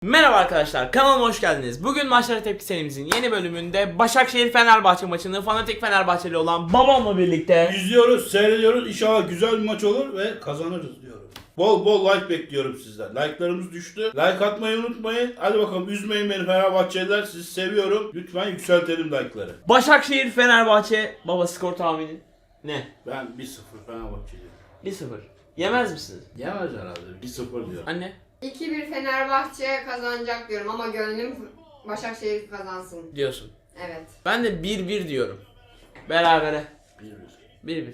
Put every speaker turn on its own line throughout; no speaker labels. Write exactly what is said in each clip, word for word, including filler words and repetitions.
Merhaba arkadaşlar, kanalıma hoş geldiniz. Bugün Maçlara Tepki serimizin yeni bölümünde Başakşehir-Fenerbahçe maçını fanatik Fenerbahçeli olan babamla birlikte
İzliyoruz, seyrediyoruz. İnşallah güzel bir maç olur ve kazanırız diyorum. Bol bol like bekliyorum sizden. Like'larımız düştü. Like atmayı unutmayın. Hadi bakalım, üzmeyin beni Fenerbahçeliler. Sizi seviyorum. Lütfen yükseltelim like'ları.
Başakşehir-Fenerbahçe. Baba, skor tahmini ne?
Ben bir sıfır Fenerbahçeliyim.
bir sıfır. Yemez misiniz?
Yemez herhalde. bir sıfır diyorum.
Anne?
iki bir Fenerbahçe kazanacak diyorum ama gönlüm Başakşehir kazansın.
Diyorsun.
Evet.
Ben de bir bir diyorum. Berabere.
bir bir.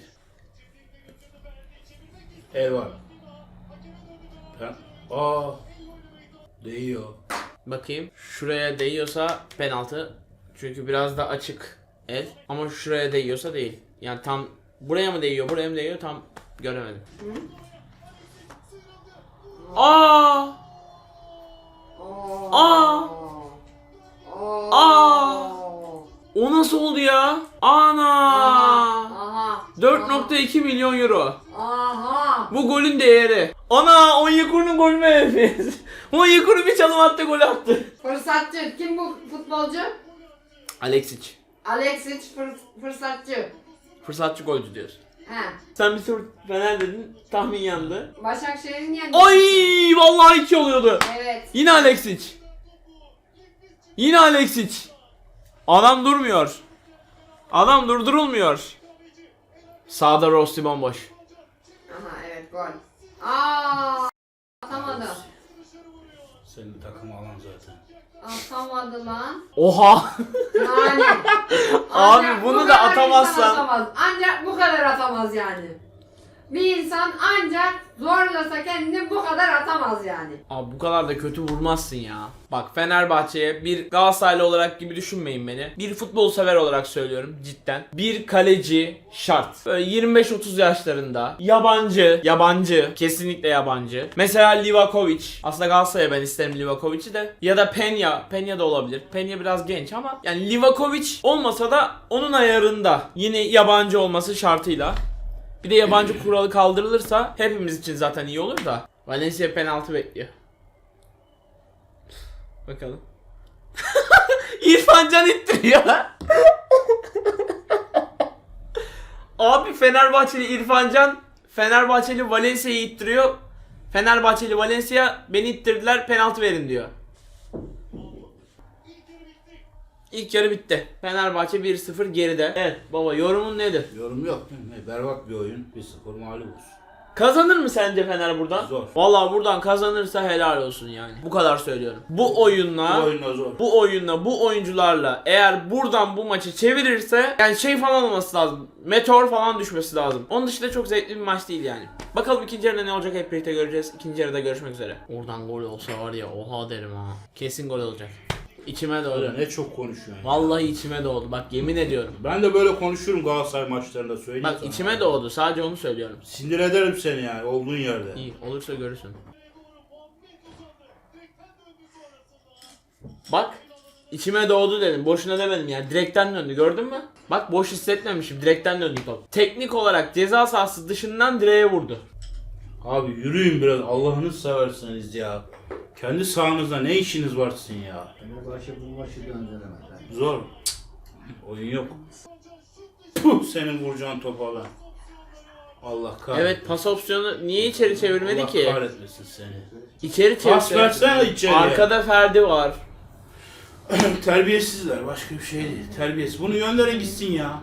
bir bir.
Eyvah. Ben... Aa. Değiyor.
Bakayım. Şuraya değiyorsa penaltı. Çünkü biraz da açık el. Ama şuraya değiyorsa değil. Yani tam buraya mı değiyor, buraya mı değiyor tam göremedim.
Hı?
Aa!
Oo.
Aa!
Oo.
Aa! O nasıl oldu ya? Ana!
Aha.
dört nokta iki milyon euro.
Aha.
Bu golün değeri. Ana! Onyekuru'nun golü mü Efes? Onyekuru bir çalım attı, gol attı.
Fırsatçı. Kim bu futbolcu?
Alexic.
Alexic fır- fırsatçı.
Fırsatçı golcü diyorsun.
He.
Sen bir soru Fener dedin, tahmin yandı.
Başakşehir'in yendi.
Ay! Vallahi iki oluyordu.
Evet.
Yine Alexic. Yine Alexic. Adam durmuyor. Adam durdurulmuyor. Sağda Rossi bomboş.
Aha evet gol. Aa. Atamadı.
Senin takım alan zaten.
Atamadı lan.
Oha.
Yani.
Abi
Ancak
bunu
bu
da
kadar
atamazsan-
insan atamaz. Ancak bu kadar atamaz yani. Bir insan ancak zorlasa kendini bu kadar atamaz yani.
Abi bu kadar da kötü vurmazsın ya. Bak, Fenerbahçe'ye bir Galatasaraylı olarak gibi düşünmeyin beni. Bir futbol sever olarak söylüyorum cidden. Bir kaleci şart. Böyle yirmi beş otuz yaşlarında. Yabancı. Yabancı. Kesinlikle yabancı. Mesela Livakovic. Aslında Galatasaray'a ben isterim Livakovic'i de. Ya da Peña. Peña da olabilir. Peña biraz genç ama yani Livakovic olmasa da onun ayarında. Yine yabancı olması şartıyla. Bir de yabancı kuralı kaldırılırsa hepimiz için zaten iyi olur da. Valencia penaltı bekliyor. Bakalım. İrfan Can ittiriyor. Abi Fenerbahçeli İrfan Can Fenerbahçeli Valencia'yı ittiriyor. Fenerbahçeli Valencia beni ittirdiler, penaltı verin diyor. İlk yarı bitti. Fenerbahçe bir sıfır geride. Evet baba, yorumun nedir?
Yorum yok. Ne, berbat bir oyun. bir sıfır mağlubuz.
Kazanır mı sence Fener buradan?
Zor.
Vallahi buradan kazanırsa helal olsun yani. Bu kadar söylüyorum. Bu oyunla
Bu oyunda zor.
bu oyunla bu oyuncularla eğer buradan bu maçı çevirirse yani şey falan olması lazım. Meteor falan düşmesi lazım. Onun dışında çok zevkli bir maç değil yani. Bakalım ikinci yarıda ne olacak, hep birlikte göreceğiz. İkinci yarıda görüşmek üzere. Oradan gol olsa var ya, oha derim ha. Kesin gol olacak. İçime doğdu.
Öyle ne çok konuşuyorsun. ya.
Vallahi içime doğdu. Bak yemin ediyorum.
Ben de böyle konuşurum Galatasaray maçlarında, söyleyeyim
Bak
sana.
içime doğdu. Sadece onu söylüyorum.
Sinir ederim seni yani olduğun yerde.
İyi olursa görürsün. Bak içime doğdu dedim. Boşuna demedim yani. Direkten döndü, gördün mü? Bak boş hissetmemişim. Direkten döndü top. Teknik olarak ceza sahası dışından direğe vurdu.
Abi yürüyün biraz, Allah'ını seversiniz ya. Kendi sahanızda ne işiniz var sizin ya?
Fenerbahçe bu maçı döndüremez.
Zor. Cık, oyun yok. Puh, senin vuracağın topa lan. Allah kahretsin.
Evet, pas opsiyonu niye içeri çevirmedi
Allah
ki?
kahretmesin seni.
İçeri
Pas
çevirdi.
versene içeriye.
Arkada Ferdi var.
Terbiyesizler, başka bir şey değil. Terbiyesiz. Bunu gönderin gitsin ya.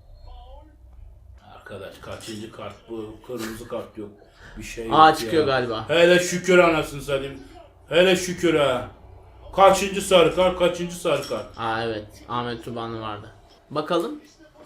Arkadaş kaçıncı kart bu? Kırmızı kart yok. Bir şey yok
Aa
ya.
çıkıyor galiba.
Hele şükür anasını satayım. Hele şükür ha. Kaçıncı sarı kart, kaçıncı sarı kart.
Aa evet, Ahmet Tubanlı vardı. Bakalım.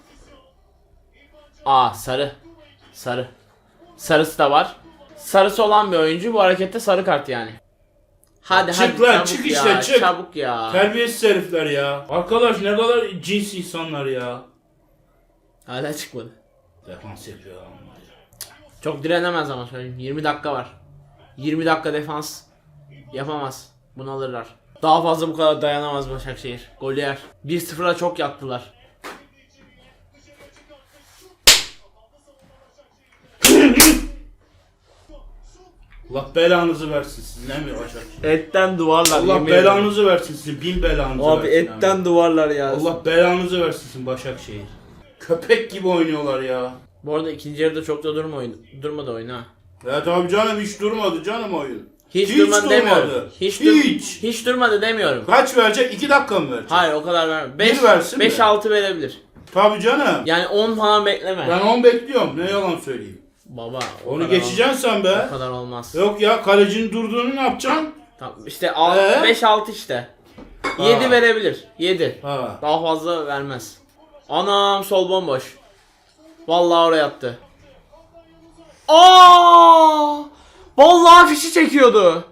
Aa sarı. Sarı. Sarısı da var. Sarısı olan bir oyuncu bu harekette sarı kart yani. Hadi
Çık
hadi
lan,
çabuk
çık
ya,
işte, çık.
çabuk ya.
Terbiyesiz herifler ya. Arkadaş ne kadar cins insanlar ya.
Hala çıkmadı.
Defans yapıyor ama.
Çok direnemez ama söyleyeyim. yirmi dakika var. yirmi dakika defans yapamaz. Bunu alırlar. Daha fazla bu kadar dayanamaz Başakşehir. Gol yer. bir sıfıra çok yattılar.
Allah belanızı versin sizin ne mi Başakşehir?
Etten duvarlar.
Allah
yemin ederim.
belanızı versin sizin bin belanızı
Abi
versin.
etten
abi.
duvarlar ya.
Allah belanızı versin sizin Başakşehir. Köpek gibi oynuyorlar ya.
Bu arada ikinci yarıda çok da durma oyun. Durmadı oyun ha.
Evet abi canım hiç durmadı canım oyun.
Hiç,
Hiç
durmadı
durmadı.
demiyorum. Hiç, dur-
Hiç.
hiç durmadı demiyorum.
Kaç verecek? iki dakika mı verecek?
Hayır o kadar verme.
Bir versin mi?
beş altı verebilir.
Tabii canım.
Yani on falan bekleme.
Ben on bekliyorum. Ne yalan söyleyeyim.
Baba o
Onu
kadar
geçeceksin sen
ol-
be.
O kadar olmaz.
Yok ya kalecinin durduğunu ne yapacaksın?
Tamam işte
Ee?
beş altı işte. yedi verebilir. yedi.
Ha.
Daha fazla vermez. Anam sol bomboş. Vallahi oraya attı. Aa! Vallahi fişi çekiyordu.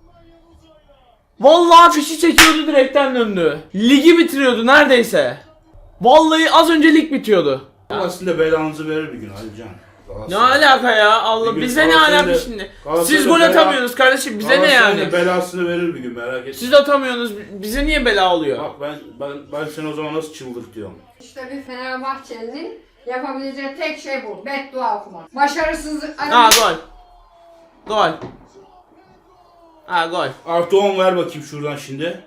Vallahi fişi çekiyordu, direkten döndü. Ligi bitiriyordu neredeyse. Vallahi az önce lig bitiyordu.
Aslında belanızı verir bir gün Alican.
Ne alaka ya? Allah
Bir gün
bize ne
Galatasaray'da-
alaka şimdi?
Galatasaray'da
Siz gol
bela-
atamıyorsunuz kardeşim. Bize ne
Galatasaray'da
yani?
belasını verir bir gün merak etme.
Siz atamıyorsunuz. Bize niye bela oluyor?
Bak ben ben ben seni o zaman nasıl çıldırtıyorum.
İşte bir Fenerbahçeli'nin yapabileceği tek şey bu. Beddua okumak. Başarısızlık...
Ha gol. Gol. Ha gol.
Artı on ver bakayım şuradan şimdi.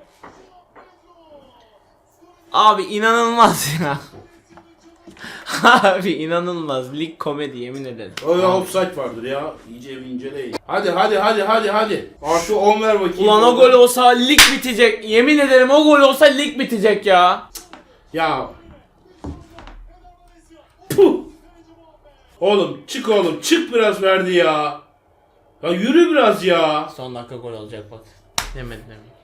Abi inanılmaz ya. Abi inanılmaz. Lig komedi yemin ederim.
Öyle offside vardır ya. İyice bir inceleyin. Hadi hadi hadi hadi hadi. Artı on ver bakayım.
Ulan o gol olsa lig bitecek. Yemin ederim o gol olsa lig bitecek ya.
Ya. Puh. Oğlum çık oğlum çık biraz verdi ya. Ya yürü biraz ya.
Son dakika gol olacak bak. Demedim demedim.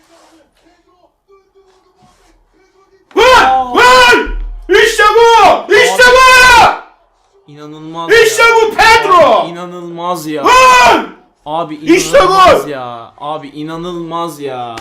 Vur! Vur! İşte bu! İşte bu!
İnanılmaz
İşte
ya.
bu Pedro!
İnanılmaz ya.
Vur!
Abi
İşte
inanılmaz
gol!
ya. Abi inanılmaz ya.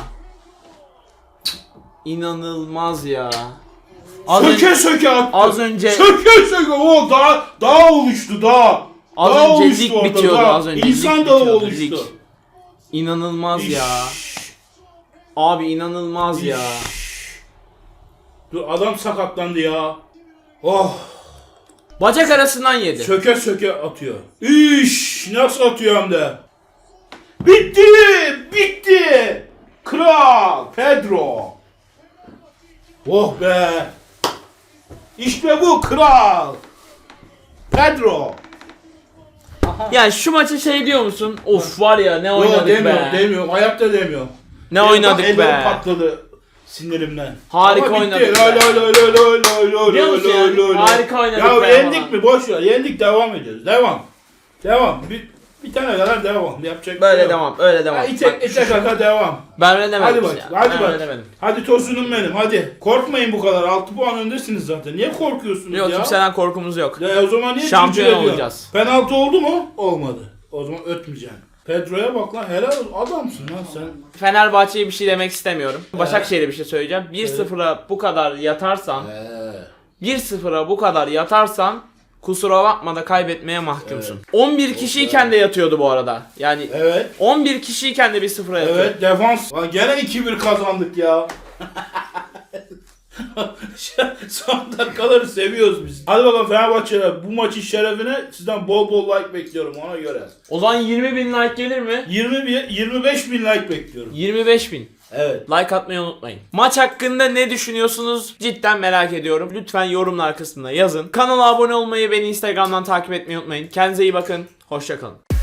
İnanılmaz ya. Az
Söke
önce,
söke attı.
az önce
Söke söke o daha daha oluştu daha.
az
daha
önce
oluştu
lig
orada,
bitiyordu
daha.
az önce.
İnsan
lig
dağı
bitiyordu,
oluştu.
lig. İnanılmaz
İş.
ya. Abi inanılmaz ya.
Dur adam sakatlandı ya. Oh.
Bacak arasından yedi.
Söke söke atıyor. İş nasıl atıyor hem de. Bitti! Bitti! Kral Pedro. Oh be. İşte bu kral. Pedro.
Yani şu maça şey diyor musun? Of var ya ne
Yo,
oynadık
demiyorum,
be.
demiyorum. Hayatta demiyorum.
Ne
Benim
oynadık
bak ellerim
be.
patladı sinirimden.
Harika
Ama bitti.
oynadık
Lay
be.
lay lay lay lay lay lay
Biliyor musun
lay
yani?
lay lay.
Harika oynadık
Ya
be
yendik
falan.
mi? Boş ver. Yendik, devam ediyoruz. Devam. Devam. Bir, bir tane kadar devam. Yapacak bir
Böyle
şey yok.
devam, öyle devam.
Ha, ite,
Bak,
ite kaka devam.
ben öyle demedim.
Hadi bak.
ya.
Hadi
ben
bak.
öyle demedim.
Hadi tosunum benim. Hadi. Korkmayın bu kadar. altı puan öndesiniz zaten. Niye korkuyorsunuz
Yok
ya?
kimseden korkumuz yok.
Ya o zaman niye
Şampiyon
cırcır ediyorsun?
olacağız.
Penaltı oldu mu? Olmadı. O zaman ötmeyeceksin. Pedro'ya bak lan. Helal olsun. Adamsın lan sen.
Fenerbahçe'ye bir şey demek istemiyorum. Başakşehir'e bir şey söyleyeceğim. bir sıfıra bu kadar yatarsan,
Eee.
bir sıfıra bu kadar yatarsan kusura bakma da kaybetmeye mahkumsun. on bir kişiyken de yatıyordu bu arada. Yani
Evet.
on bir kişiyken de bir sıfıra yatıyor.
Evet defans. Lan gene iki bir kazandık ya. Son dakikaları seviyoruz biz. Hadi bakalım Fenerbahçe'ler, bu maçın şerefine sizden bol bol like bekliyorum ona göre.
O zaman yirmi bin like gelir mi?
yirmi bir, yirmi beş bin like bekliyorum.
yirmi beş bin.
Evet.
Like atmayı unutmayın. Maç hakkında ne düşünüyorsunuz? Cidden merak ediyorum. Lütfen yorumlar kısmına yazın. Kanala abone olmayı, beni Instagram'dan takip etmeyi unutmayın. Kendinize iyi bakın. Hoşça kalın.